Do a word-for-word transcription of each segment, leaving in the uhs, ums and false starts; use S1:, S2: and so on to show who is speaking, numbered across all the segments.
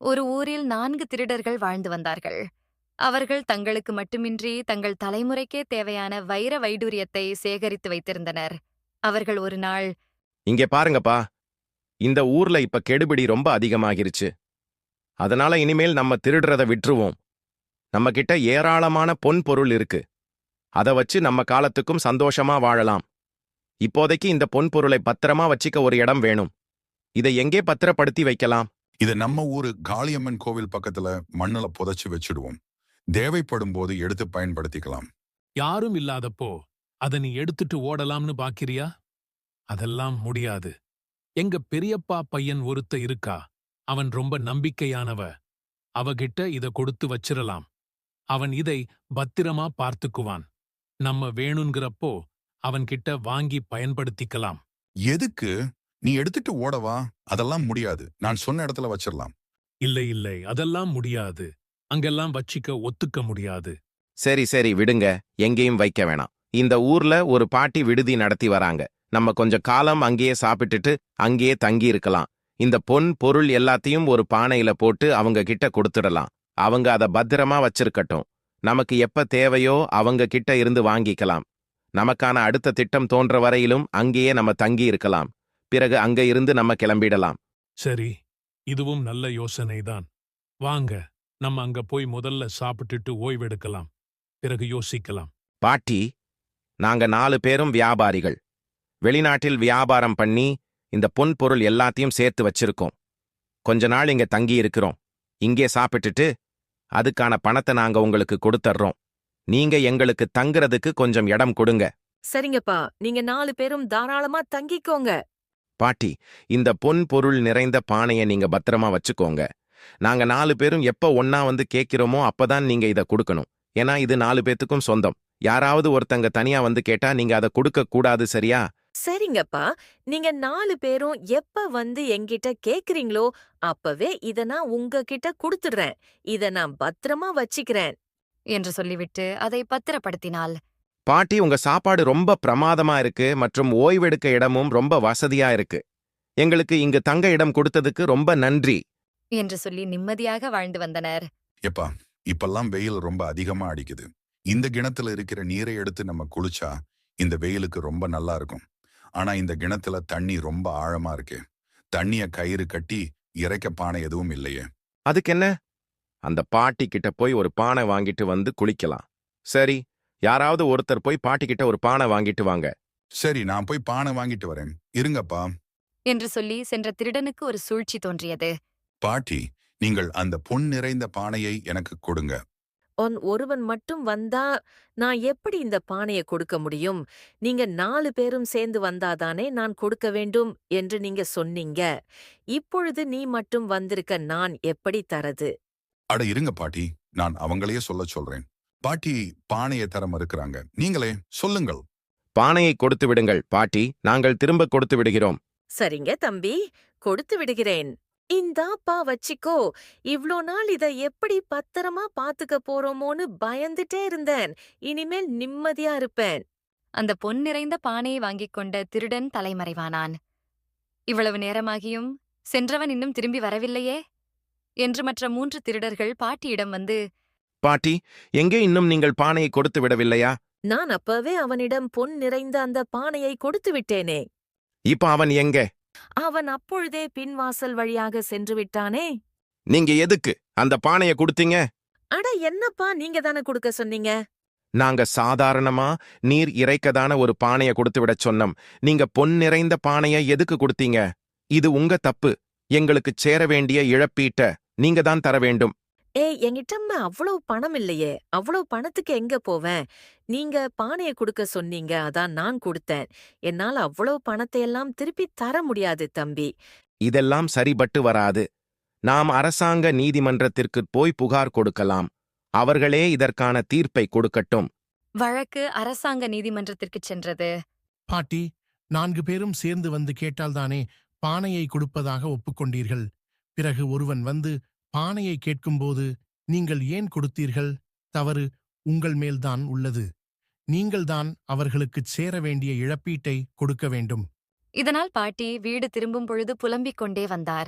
S1: ஒரு ஊரில் நான்கு திருடர்கள் வாழ்ந்து வந்தார்கள். அவர்கள் தங்களுக்கு மட்டுமின்றி தங்கள் தலைமுறைக்கே தேவையான வைர வைடூரியத்தை சேகரித்து வைத்திருந்தனர். அவர்கள் ஒரு நாள்,
S2: இங்கே பாருங்கப்பா, இந்த ஊர்ல இப்ப கெடுபிடி ரொம்ப அதிகமாகிருச்சு. அதனால இனிமேல் நம்ம திருடுறத விட்டுருவோம். நம்ம கிட்ட ஏராளமான பொன் பொருள் இருக்கு. அத வச்சு நம்ம காலத்துக்கும் சந்தோஷமா வாழலாம். இப்போதைக்கு இந்த பொன் பொருளை பத்திரமா வச்சிக்க ஒரு இடம் வேணும். இதை எங்கே பத்திரப்படுத்தி வைக்கலாம்?
S3: இத நம்ம ஊரு காளியம்மன் கோவில் பக்கத்துல மண்ணுல புதைச்சு வச்சிடுவோம். தேவைப்படும் போது எடுத்து பயன்படுத்திக்கலாம்.
S4: யாரும் இல்லாதப்போ அத நீ எடுத்துட்டு ஓடலாம்னு பாக்கிறியா? அதெல்லாம் முடியாது. எங்க பெரியப்பா பையன் ஒருத்த இருக்கா. அவன் ரொம்ப நம்பிக்கையானவ. அவகிட்ட இத கொடுத்து வச்சிரலாம். அவன் இதை பத்திரமா பார்த்துக்குவான். நம்ம வேணுங்கிறப்போ அவன்கிட்ட வாங்கி பயன்படுத்திக்கலாம்.
S3: எதுக்கு? நீ எடுத்துட்டு ஓடவா? அதெல்லாம் முடியாது. நான் சொன்ன இடத்துல வச்சிடலாம்.
S4: இல்லை இல்லை, அதெல்லாம் முடியாது. அங்கெல்லாம் வச்சிக்க ஒத்துக்க முடியாது.
S2: சரி சரி விடுங்க, எங்கேயும் வைக்க வேணாம். இந்த ஊர்ல ஒரு பாட்டி விடுதி நடத்தி வராங்க. நம்ம கொஞ்சம் காலம் அங்கேயே சாப்பிட்டுட்டு அங்கேயே தங்கி இருக்கலாம். இந்த பொன் பொருள் எல்லாத்தையும் ஒரு பானையில போட்டு அவங்க கிட்ட கொடுத்துடலாம். அவங்க அதை பத்திரமா வச்சிருக்கட்டும். நமக்கு எப்ப தேவையோ அவங்க கிட்ட இருந்து வாங்கிக்கலாம். நமக்கான அடுத்த திட்டம் தோன்ற வரையிலும் அங்கேயே நம்ம தங்கி இருக்கலாம். பிறகு அங்க இருந்து நம்ம கிளம்பிடலாம்.
S4: சரி, இதுவும் நல்ல யோசனைதான். வாங்க, நம்ம அங்க போய் முதல்ல சாப்பிட்டுட்டு ஓய்வெடுக்கலாம். பிறகு யோசிக்கலாம்.
S2: பாட்டி, நாங்க நாலு பேரும் வியாபாரிகள். வெளிநாட்டில் வியாபாரம் பண்ணி இந்த பொன் பொருள் எல்லாத்தையும் சேர்த்து வச்சிருக்கோம். கொஞ்ச நாள் இங்க தங்கி இருக்கிறோம். இங்கே சாப்பிட்டுட்டு அதுக்கான பணத்தை நாங்க உங்களுக்கு கொடுத்துட்றோம். நீங்க எங்களுக்கு தங்குறதுக்கு கொஞ்சம் இடம் கொடுங்க.
S5: சரிங்கப்பா, நீங்க நாலு பேரும் தாராளமா தங்கிக்கோங்க.
S2: பாட்டி, இந்த பொன் பொருள் நிறைந்த பானையை நீங்க பத்திரமா வச்சுக்கோங்க. நாங்க நாலு பேரும் எப்ப ஒன்னா வந்து கேட்கிறோமோ அப்பதான் நீங்க இதை கொடுக்கணும். ஏன்னா இது நாலு பேத்துக்கும் சொந்தம். யாராவது ஒருத்தங்க தனியா வந்து கேட்டா நீங்க அதை கொடுக்க கூடாது, சரியா?
S5: சரிங்கப்பா, நீங்க நாலு பேரும் எப்ப வந்து என்கிட்ட கேக்குறீங்களோ அப்பவே இத நான் உங்ககிட்ட குடுத்துடுறேன். இத நான் பத்திரமா வச்சிக்கிறேன்
S1: என்று சொல்லிவிட்டு அதை பத்திரப்படுத்தினாள்.
S2: பாட்டி, உங்க சாப்பாடு ரொம்ப பிரமாதமா இருக்கு மற்றும் ஓய்வெடுக்க இடமும் ரொம்ப வசதியா இருக்கு. எங்களுக்கு இங்கு தங்க இடம் கொடுத்ததுக்கு ரொம்ப நன்றி
S1: என்று சொல்லி நிம்மதியாக வாழ்ந்து வந்தனர்.
S3: எப்பா, இப்பெல்லாம் வெயில் ரொம்ப அதிகமா அடிக்குது. இந்த கிணத்துல இருக்கிற நீரை எடுத்து நம்ம குளிச்சா இந்த வெயிலுக்கு ரொம்ப நல்லா இருக்கும். ஆனா இந்த கிணத்துல தண்ணி ரொம்ப ஆழமா இருக்கு. தண்ணிய கயிறு கட்டி இறைக்க பானை எதுவும் இல்லையே.
S2: அதுக்கு என்ன? அந்த பாட்டி கிட்ட போய் ஒரு பானை வாங்கிட்டு வந்து குளிக்கலாம். சரி, யாராவது ஒருத்தர் போய் பாட்டி கிட்ட ஒரு பானை வாங்கிட்டு வாங்க.
S3: சரி, நான் போய் பானை வாங்கிட்டு வரேன். இருங்கப்பா.
S1: என்று சொல்லி சென்ற திருடனுக்கு ஒரு சூழ்ச்சி தோன்றியது.
S3: பாட்டி, நீங்கள் அந்த பொன் நிறைந்த பானையை எனக்கு கொடுங்க.
S5: ஒன் ஒருவன் மட்டும் வந்தா நான் எப்படி இந்த பானைய கொடுக்க முடியும்? நீங்க நாலு பேரும் சேர்ந்து வந்தாதானே நான் கொடுக்க வேண்டும் என்று நீங்க சொன்னீங்க. இப்பொழுது நீ மட்டும் வந்திருக்க நான் எப்படி தரது?
S3: அட இருங்க பாட்டி, நான் அவங்களையே சொல்ல சொல்றேன். பாட்டி பானையை தர மறுக்கிறாங்க. நீங்களே சொல்லுங்கள்.
S2: பானையை கொடுத்து விடுங்கள் பாட்டி, நாங்கள் திரும்ப கொடுத்து விடுகிறோம்.
S5: சரிங்க தம்பி, கொடுத்து விடுகிறேன். இந்தாப்பா வச்சிக்கோ. இவ்ளோ நாள் இத எப்படி பத்திரமா பாத்துக்க போறோமோன்னு பயந்துட்டே இருந்தேன். இனிமேல் நிம்மதியா இருப்பேன்.
S1: அந்த பொன் நிறைந்த பானையை வாங்கிக் கொண்ட திருடன் தலைமறைவானான். இவ்வளவு நேரமாகியும் சென்றவன் இன்னும் திரும்பி வரவில்லையே என்று மற்ற மூன்று திருடர்கள் பாட்டியிடம் வந்து,
S2: பாட்டி, எங்கே இன்னும் நீங்கள் பானையை கொடுத்து விடவில்லையா?
S5: நான் அப்பவே அவனிடம் பொன் நிறைந்த அந்த பானையை கொடுத்து விட்டேனே.
S2: இப்ப அவன் எங்கே?
S5: அவன் அப்பொழுதே பின்வாசல் வழியாக சென்று விட்டானே.
S2: நீங்க எதுக்கு அந்த பானையை கொடுத்தீங்க?
S5: அட என்னப்பா, நீங்க தானே கொடுக்க சொன்னீங்க.
S2: நாங்க சாதாரணமா நீர் இறைக்கதான ஒரு பானையை கொடுத்து விடச் சொன்னோம். நீங்க பொன் நிறைந்த பானையை எதுக்கு கொடுத்தீங்க? இது உங்க தப்பு. எங்களுக்கு சேர வேண்டிய இழப்பீட்ட நீங்க தான் தர வேண்டும்.
S5: ஏய், என்கிட்ட அவ்வளவு பணம் இல்லையே. அவ்வளவு பணத்துக்கு எங்க போவேன்? நீங்க பானைய கொடுக்க சொன்னீங்க, அதான் நான் கொடுத்தேன். என்னால அவ்வளவு பணத்தையெல்லாம் திருப்பி தர முடியாது தம்பி.
S2: இதெல்லாம் சரிபட்டு வராது. நாம் அரசாங்க நீதிமன்றத்திற்கு போய் புகார் கொடுக்கலாம். அவர்களே இதற்கான தீர்ப்பை கொடுக்கட்டும்.
S1: வழக்கு அரசாங்க நீதிமன்றத்திற்குச் சென்றது.
S6: பாட்டி, நான்கு பேரும் சேர்ந்து வந்து கேட்டால்தானே பானையை கொடுப்பதாக ஒப்புக்கொண்டீர்கள். பிறகு ஒருவன் வந்து பானையை கேட்கும்போது நீங்கள் ஏன் கொடுத்தீர்கள்? தவறு உங்கள் மேல்தான் உள்ளது. நீங்கள்தான் அவர்களுக்குச் சேர வேண்டிய இழப்பீட்டை கொடுக்க வேண்டும்.
S1: இதனால் பாட்டி வீடு திரும்பும் பொழுது புலம்பிக் கொண்டே வந்தார்.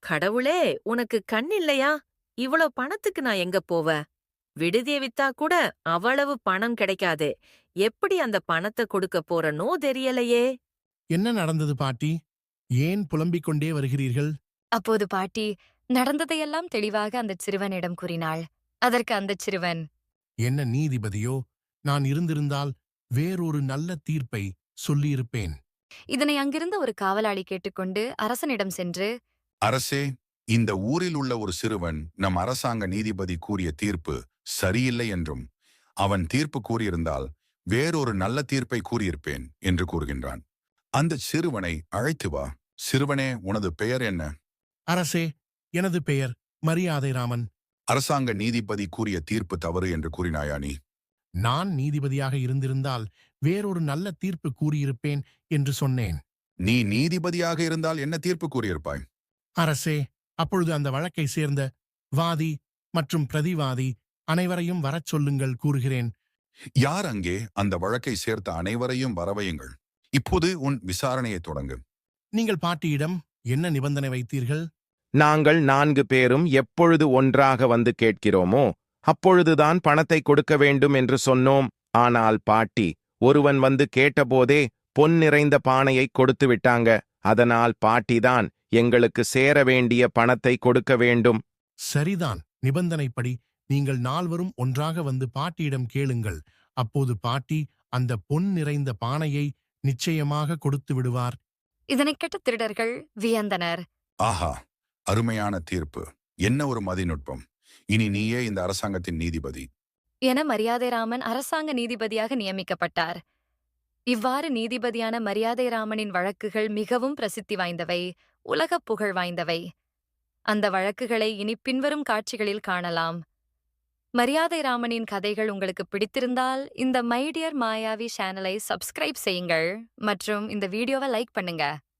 S5: கடவுளே, உனக்கு கண் இல்லையா? இவ்வளோ பணத்துக்கு நான் எங்க போவேன்? விடுதிய வித்தா கூட அவ்வளவு பணம் கிடைக்காதே. எப்படி அந்த பணத்த கொடுக்க போறனோ தெரியலையே.
S6: என்ன நடந்தது பாட்டி? ஏன் புலம்பிக் கொண்டே வருகிறீர்கள்?
S1: அப்போது பாட்டி நடந்ததையெல்லாம் தெளிவாக அந்தச் சிறுவனிடம் கூறினாள். அதற்கு அந்தச் சிறுவன்,
S6: என்ன நீதிபதியோ, நான் இருந்திருந்தால் வேறொரு நல்ல தீர்ப்பை சொல்லியிருப்பேன்.
S1: இதனை அங்கிருந்த ஒரு காவலாளி கேட்டுக்கொண்டு அரசனிடம் சென்று,
S3: அரசே, இந்த ஊரில் உள்ள ஒரு சிறுவன் நம் அரசாங்க நீதிபதி கூறிய தீர்ப்பு சரியில்லை என்றும் அவன் தீர்ப்பு கூறியிருந்தால் வேறொரு நல்ல தீர்ப்பை கூறியிருப்பேன் என்று கூறுகின்றான். அந்த சிறுவனை அழைத்து வா. சிறுவனே, உனது பெயர் என்ன?
S6: அரசே, எனது பெயர் மரியாதை ராமன்.
S3: அரசாங்க நீதிபதி கூறிய தீர்ப்பு தவறு என்று கூறினாயா நீ?
S6: நான் நீதிபதியாக இருந்திருந்தால் வேறொரு நல்ல தீர்ப்பு கூறியிருப்பேன் என்று சொன்னேன்.
S3: நீ நீதிபதியாக இருந்தால் என்ன தீர்ப்பு கூறியிருப்பாய்?
S6: அரசே, அப்பொழுது அந்த வழக்கை சேர்ந்த வாதி மற்றும் பிரதிவாதி அனைவரையும் வரச் சொல்லுங்கள் கூறுகிறேன்.
S3: யார் அங்கே? அந்த வழக்கை சேர்த்த அனைவரையும் வரவையுங்கள். இப்போது உன் விசாரணையை தொடங்கு.
S6: நீங்கள் பாட்டியிடம் என்ன நிபந்தனை வைத்தீர்கள்?
S2: நாங்கள் நான்கு பேரும் எப்பொழுது ஒன்றாக வந்து கேட்கிறோமோ அப்பொழுதுதான் பணத்தை கொடுக்க வேண்டும் என்று சொன்னோம். ஆனால் பாட்டி ஒருவன் வந்து கேட்டபோதே பொன் நிறைந்த பானையை கொடுத்து விட்டாங்க. அதனால் பாட்டிதான் எங்களுக்கு சேர வேண்டிய பணத்தை கொடுக்க வேண்டும்.
S6: சரிதான். நிபந்தனைப்படி நீங்கள் நால்வரும் ஒன்றாக வந்து பாட்டியிடம் கேளுங்கள். அப்போது பாட்டி அந்த பொன் நிறைந்த பானையை நிச்சயமாக கொடுத்து விடுவார்.
S1: இதனைக் கேட்ட திருடர்கள் வியந்தனர்.
S3: ஆஹா, அருமையான தீர்ப்பு. என்ன ஒரு மதிநுட்பம். இனி நீயே இந்த அரசாங்கத்தின் நீதிபதி
S1: என மரியாதைராமன் அரசாங்க நீதிபதியாக நியமிக்கப்பட்டார். இவ்வாறு நீதிபதியான மரியாதைராமனின் வழக்குகள் மிகவும் பிரசித்தி வாய்ந்தவை, உலகப் புகழ் வாய்ந்தவை. அந்த வழக்குகளை இனி பின்வரும் காட்சிகளில் காணலாம். மரியாதைராமனின் கதைகள் உங்களுக்கு பிடித்திருந்தால் இந்த மை டியர் மாயாவி சேனலை சப்ஸ்கிரைப் செய்யுங்கள் மற்றும் இந்த வீடியோவை லைக் பண்ணுங்க.